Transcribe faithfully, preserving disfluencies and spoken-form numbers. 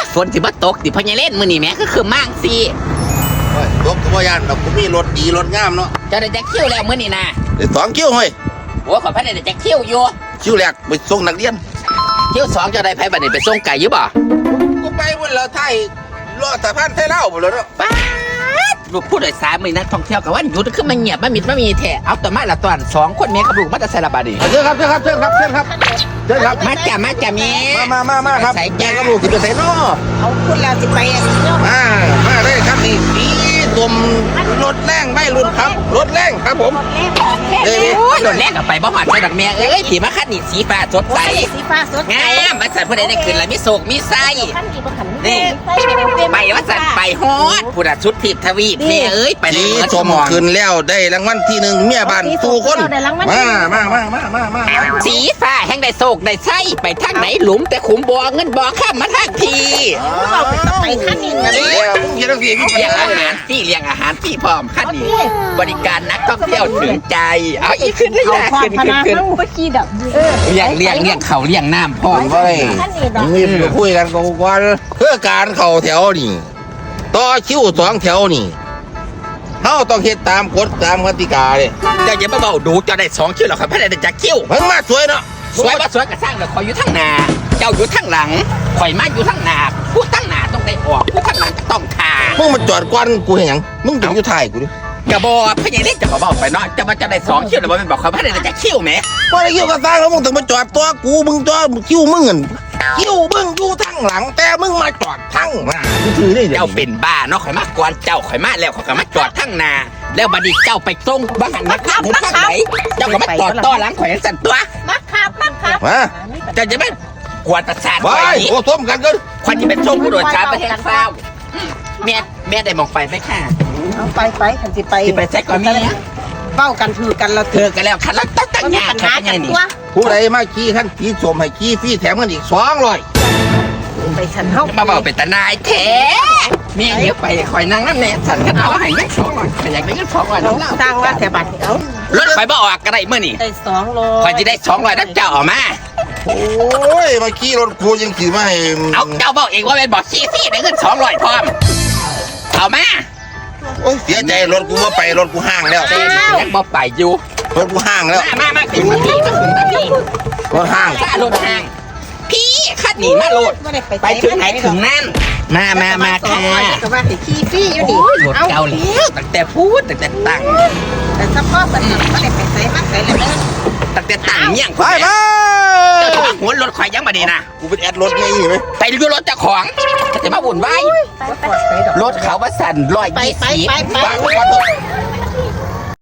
ฝนสิบ่ตกติพ่อใหญ่เล่นมื้อนี้แหม่ก็คือมั่งสิโอ้ยตกก็บ่ย่านดอกกูมีรถดีรถงามเนาะเจ้าได้จักคิวแล้วมื้อนี้นะเดี๋ยวสองคิวเฮ้ยโอ้ขอพันได้จักคิวอยู่คิวแรกไปส่งนักเรียนคิวสองเจ้าได้ไผบัดนี้ไปส่งไก่อยู่บ่กูไปบนเราไทยรอดสะพานไทยเล่าหมดแล้วเนาะป๊าดลูกผู้โดยสารมื้อนักท่องเที่ยวก็ว่าหยุดคือมันเงียบมันมิดมันมีแท้เอาแต่มาละตอนสองคนแม่กับลูกมาแต่ใส่ละบาดนี้เชิญครับเชิญครับเชิญครับเชิญครับเชิญครับมาจ้ะมาจ้ะแม่มามามามาครับใส่แกจ้าก็ลูกสิไปใส่เนาะเอาคุณเราสิไปอันนี้เนาะมามาเลยครับนี่สีตุ่มรถแรงไม่รุ่นครับรถแรงครับผมแรกแรกเอ้ยโอ้ยโดนแรกกับไปบ่หอดใส่ดอกแม่เอ้ยผีมาคัดนี่สีฟ้าสดใสสีฟ้าสดงามมาสั่นผู้ใดได้ขึ้นแล้วมีโศกมีไส้ขั้นนี้บ่ขันนี่ ไปว่าสั่นไปฮอดผู้ดัชุดทิพย์ทวีปแม่เอ้ยไปเลสียเมื่อชชั่วมโมงขึ้นแล้วได้รางวัลที่หนึ่งเมียบ้านสู่คนมามามามามามาสีฟ้าแห่งได้โศกได้ไส้ไปทางไหนหลุมแต่ขุมบ่อเงินบ่อข้ามมาทางทีเราไปต้องไปขั้นนี้นะเดี๋ยวเดี๋ยวพี่พี่เลี้ยงอาหารฟรีเลี้ยงอาหารฟรีพร้อมคันนี้บริการนักท่องเที่ยวถึงใจเอาอีกขึ้นเลยเอานะความขึ้นพขึ้นนาขึ้นเข้าไปขี้ดับเออเลี้ยงเลี้ยงเลี้ยงเขาเลี้ยงน้ำพร้อมเว้ยขั้นนี้ดอกมีไปคุยกันก่อนเพื่อการเข่าแถวนี่ต่อคิวสองแถวนี่เฮาต้องเฮ็ดตามกฎตามกติกาเลยเจ้าอย่ามาเบาดูเจ้าได้สองคิวหรอกครับพระได้จากคิวมันมาสวยเนาะสวยว่าสวยกระสร้างเลยคอยอยู่ทั้งหน้าเจ้าอยู่ทั้งหลังคอยมาอยู่ทั้งหน้าผู้ทั้งหน้าต้องได้ออกผู้ทั้งหลังก็ต้องขามึงมาจอดก่อนกูเห็นหยังมึงต้องอยู่ท้ายกูดิกระบอกพระยังได้จะมาเบาไปเนาะจะมาจะได้สองคิวหรือว่ามันบอกเขาพระได้จากคิวไหมบ่ได้คิวกับสร้างแล้วมึงต้องมาจอดตัวกูมึงจอดคิวมึงเงินคิวมึงอยู่ทางหลังแต่มึงมาจอดทางหน้าถือได้เจ้าเป็นบ้าเนาะข่อยมาก่อนเจ้าข่อยมาแล้วข่อยก็มาจอดทั้งนาแล้วบัดนี้เจ้าไปส่งบ้านนะครับถึงทางไหนเจ้าก็มาจอดต้อหลังข่อยจังสั่นตัวมักครับมักครับมาเจ้าจะไม่กวนประสาทไปข่อยนี้โอ้ส้มกันกันข่อยจะเป็นส่งผู้โดยสารประเทศเศร้าแม่แม่ได้มองไฟไหมค่ะเอาไปไปขันสิไปสิไปแจ็คก่อนแม่เบ้ากันถือกันเราเธอกันแล้วคันแล้วตั้งตั้งมันมียาปัญค่ะหาเป็นไงกันนี่ตัวผู้ใดมาขี่ขั้นขี่สมให้ขี่ฟรีแถมกันอีกสองร้อยไปฉันเฮามาบอกเป็นตานายแท้แม่เดี๋ยวไปข่อยนั่งน้ำแน่สั่นกันเอาให้เงินสองร้อยข่อยอยากได้เงินสองร้อยเราน้ำเล่าสร้างว่าแต่บัดเอารถข่อยบ่ออกก็ได้เมื่อนี่ได้สองโลข่อยจะได้สองร้อยน้ำเจ้าออกมาโอ้ยมาขี่รถกูยังขี่มาให้เอาเจ้าบอกเองว่าเป็นบอกซีซี่ได้เงินสองร้อยพร้อมเอามาโอ้ยเสียใจรถกูมาไปรถกูห้างแล้วเต้นยังบอกไปอยู่รถกูห้างแล้วมามามาขึ้นมาพี่มาขึ้นมาพี่รถห้างข้ารถทาง พี่ขัดหนีมาโหลดบ่ได้ไปไปถึงไหนถึงนั่น มามามาค่ะก็ว่าสิขี้ฟรีอยู่ดิรถเก่าแล้วตั้งแต่พูดตั้งแต่ตั้งแต่สะพอบัดนี้บ่ได้ไปไสมาไสแล้วเด้อตั้งแต่ตั้งเนี่ยงไปไปเจ้าหัวรถข่อยยังมาดีนะกูเป็นแอดรถไงไหมไปดูรถเจ้าของจะมาบุ่นไว้ไปไปไปดอกรถเขาว่าสั่นร้อยไปยี่ไปสิบไปไปไปไป